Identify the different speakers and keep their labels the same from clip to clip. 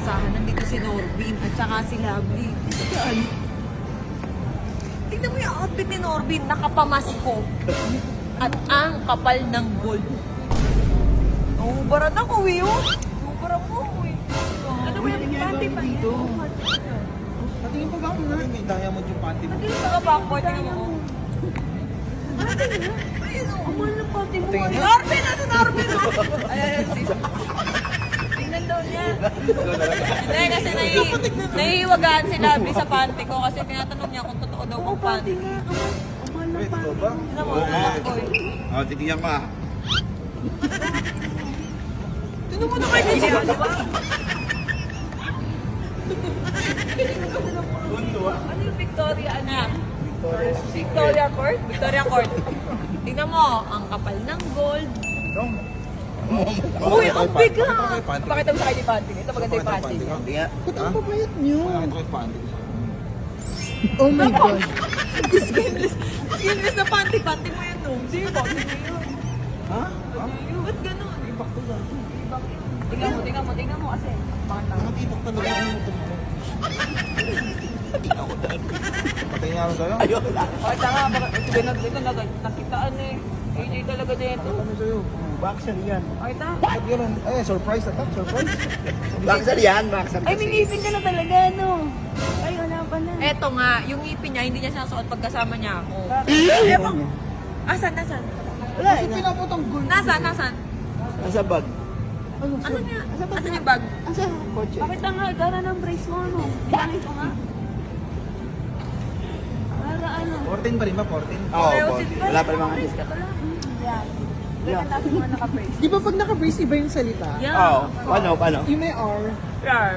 Speaker 1: inaasahan. Nandito si Norbin at saka si Lovely. Saan? Tingnan mo yung outfit ni Norbin, nakapamasko. At ang kapal ng gold. Naubaran ako eh, oh. Naubaran mo eh. Ano ba yung panty pa dito?
Speaker 2: Patingin pa ba ako nga? May diamond yung panty mo.
Speaker 1: Nandito sa backboard, tingnan mo. Ayun o, amal ng panty mo. Norbin! Ano Norbin? Ayan, sis. Tingnan daw niya. Hindi, kasi nahihiwagaan si Lovely sa panty ko kasi tinatanong niya kung totoo daw kung panty.
Speaker 2: Amal ng panty ba?
Speaker 1: Tingnan mo, backboard.
Speaker 2: O, tigyan ka.
Speaker 1: Tingnan mo na kayo kasi. Di ba? Ano yung Victoria? Ano yan? Victoria Court? Victoria Court. Tingnan mo, ang kapal ng gold. Uy, ang bigat! Pakita mo sa akin yung panty. Ito maganda yung panty.
Speaker 2: Ba't ang papayat niyo? Pakita ko yung panty.
Speaker 3: Oh my God.
Speaker 1: Skinless. Skinless na panty. Panty mo yan, no? Hindi, panty mo yun.
Speaker 2: Ha?
Speaker 1: Ba't ganun?
Speaker 2: Ibak to lang.
Speaker 1: Tingnan mo kasi. Bakit
Speaker 2: Ang matibak talaga ang motor mo. Patay nga rin tayo? Ayun.
Speaker 1: Bakit nga? Ito nakitaan eh. AJ talaga dito.
Speaker 2: Ano sa'yo?
Speaker 3: Boxer yan.
Speaker 1: Ay, ta?
Speaker 2: Bakit yun? Ay, surprise na surprise.
Speaker 3: Boxer yan, boxer
Speaker 4: Ay,
Speaker 3: kasi.
Speaker 4: may ngipin ka na talaga, no? Ay, wala pa na.
Speaker 1: Eto nga, yung ngipin niya, hindi niya sinasuot pagkasama niya ako. Ewan. Asan?
Speaker 3: Wala,
Speaker 2: Kasi pinaputang gold.
Speaker 1: Nasaan?
Speaker 3: nasa bag.
Speaker 1: Ano niya? Asan yung bag?
Speaker 3: Asa kotse?
Speaker 4: Bakit ang gara ng brace mo, ano? Bilangin ko nga. Para ano?
Speaker 2: 14 pa rin ba? 14?
Speaker 3: Oo,
Speaker 1: Pero
Speaker 3: boss.
Speaker 1: si-
Speaker 3: Wala pa naman
Speaker 4: Brace
Speaker 3: kasi.
Speaker 4: ka pala. Yan. Ganyan tayo mga naka-brace.
Speaker 5: Di ba pag naka-brace, iba yung salita?
Speaker 3: Oo, paano?
Speaker 5: Yung may R.
Speaker 1: Rar.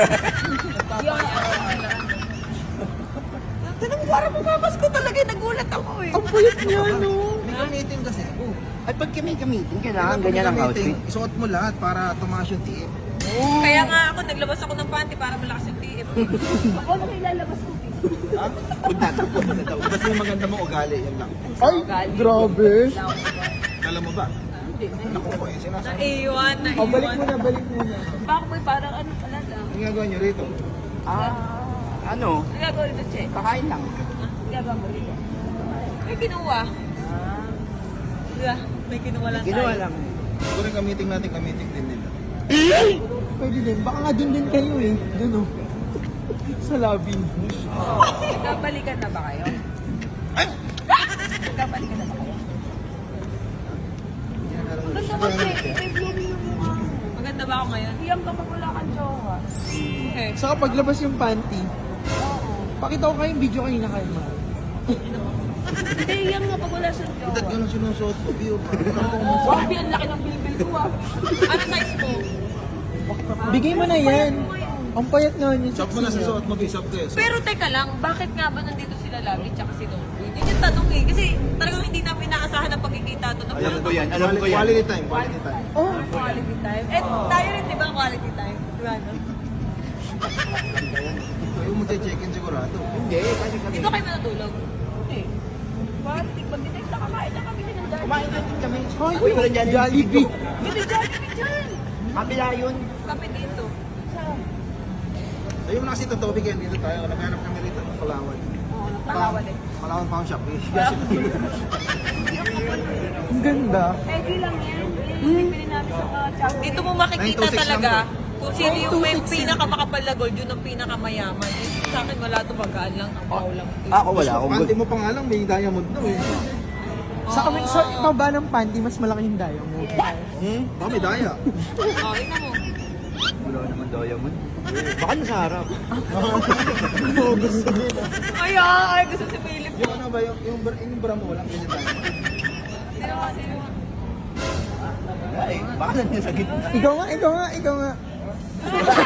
Speaker 1: Tinan mo, parang pumapas ko talaga. Nagulat ako eh.
Speaker 5: Ang payat niya, no?
Speaker 2: May gamitin kasi ako.
Speaker 3: At pag kami gamitin, kailangan ganyan ang outfit.
Speaker 2: Isuot mo lahat para tumaas yung tiip.
Speaker 1: Kaya nga ako, naglabas ako ng panty para malakas yung TF.
Speaker 4: Ako na ilalabas ko.
Speaker 2: Ha? Punta na daw. Basta yung maganda mong ugali, yan lang.
Speaker 5: Ay, grabe.
Speaker 2: Alam mo ba? Naku po eh, sinasabi.
Speaker 1: Naiwan.
Speaker 5: Oh, balik mo na.
Speaker 4: Backboy, parang ano pala lang.
Speaker 2: Ang ginagawa niyo rito?
Speaker 3: Ano?
Speaker 4: Nagagawa dito, Che.
Speaker 3: Kakain lang.
Speaker 4: Nagagawa mo dito.
Speaker 1: May kinuha. Diba? May kinuha lang
Speaker 3: Ginawa
Speaker 1: tayo.
Speaker 3: lang.
Speaker 2: Siguro yung gamitin natin, gamitin din nila.
Speaker 5: Pwede din. Baka nga dun din kayo eh. Dun oh. Sa lobby.
Speaker 1: Nagkabalikan na ba kayo?
Speaker 2: Ay!
Speaker 1: Nagkabalikan na ba kayo?
Speaker 4: Maganda mo, Che. May blooming yung mukha mo.
Speaker 1: Maganda ba ako ngayon?
Speaker 4: Iyam ka pag wala kang jowa.
Speaker 1: Okay.
Speaker 5: Saka paglabas yung panty,
Speaker 4: Oo.
Speaker 5: pakita ko kayong video kanina kayo, ma.
Speaker 4: Hindi, iyam nga pag wala siyang
Speaker 2: Ba't
Speaker 4: jowa.
Speaker 2: ganun sinusuot ko? Biyo pa.
Speaker 4: Sabi, ang laki ng bilbil ko, ah.
Speaker 1: Ano size mo?
Speaker 5: Bigay mo na yan. Ang payat nga niya.
Speaker 2: Shop mo na sa suot mo, bisop ko eh.
Speaker 1: Pero teka lang, bakit nga ba nandito sila Lovely tsaka si Norbin? Yun yung tanong eh. Kasi talagang hindi namin inaasahan ang pagkikita to.
Speaker 3: Alam ko yan, alam ko yan.
Speaker 2: Quality time, quality time.
Speaker 5: Oh,
Speaker 1: Quality time. Eh, tayo rin, di ba, quality time? Diba, no?
Speaker 2: Ayaw mo check-in sigurado.
Speaker 3: Hindi, kasi kami.
Speaker 1: Dito kayo matutulog.
Speaker 4: Hindi. Bakit? Pag-detect na kakain na kami ng dahil.
Speaker 3: Kumain natin kami.
Speaker 5: Hoy,
Speaker 3: Uy, wala dyan yung
Speaker 5: Jollibee.
Speaker 4: Hindi, Jollibee dyan.
Speaker 3: Kabila yun.
Speaker 1: Kami dito.
Speaker 4: Saan?
Speaker 2: Ayaw mo na kasi totoo bigyan dito tayo. Naghanap kami rito ng Palawan.
Speaker 4: Oo, nakalawan eh.
Speaker 2: Palawan Pound Shop.
Speaker 5: Ang ganda.
Speaker 4: Eh, di lang yan. Pili namin sa mga chow.
Speaker 1: Dito mo makikita
Speaker 2: 926
Speaker 1: talaga
Speaker 2: lang
Speaker 1: kung sino yung may
Speaker 5: 926
Speaker 1: pinakamakapal na gold, yun ang pinakamayaman. Eh, sa akin wala to, bagaan lang, ang baho lang.
Speaker 3: Ako wala akong
Speaker 2: Panty
Speaker 3: good.
Speaker 2: mo pa nga lang, may diamond daw eh.
Speaker 5: Sa baba ng panty, mas malaki yung diamond.
Speaker 2: Baka may daya.
Speaker 1: Oh, ina mo.
Speaker 3: Wala naman diamond. Baka nasa harap.
Speaker 1: Ay, gusto si Philip.
Speaker 2: Yung ano ba, yung bra mo, walang ganyan diamond.
Speaker 1: Sino?
Speaker 3: Ay, baka nandiyan sa gitna.
Speaker 5: Ikaw nga.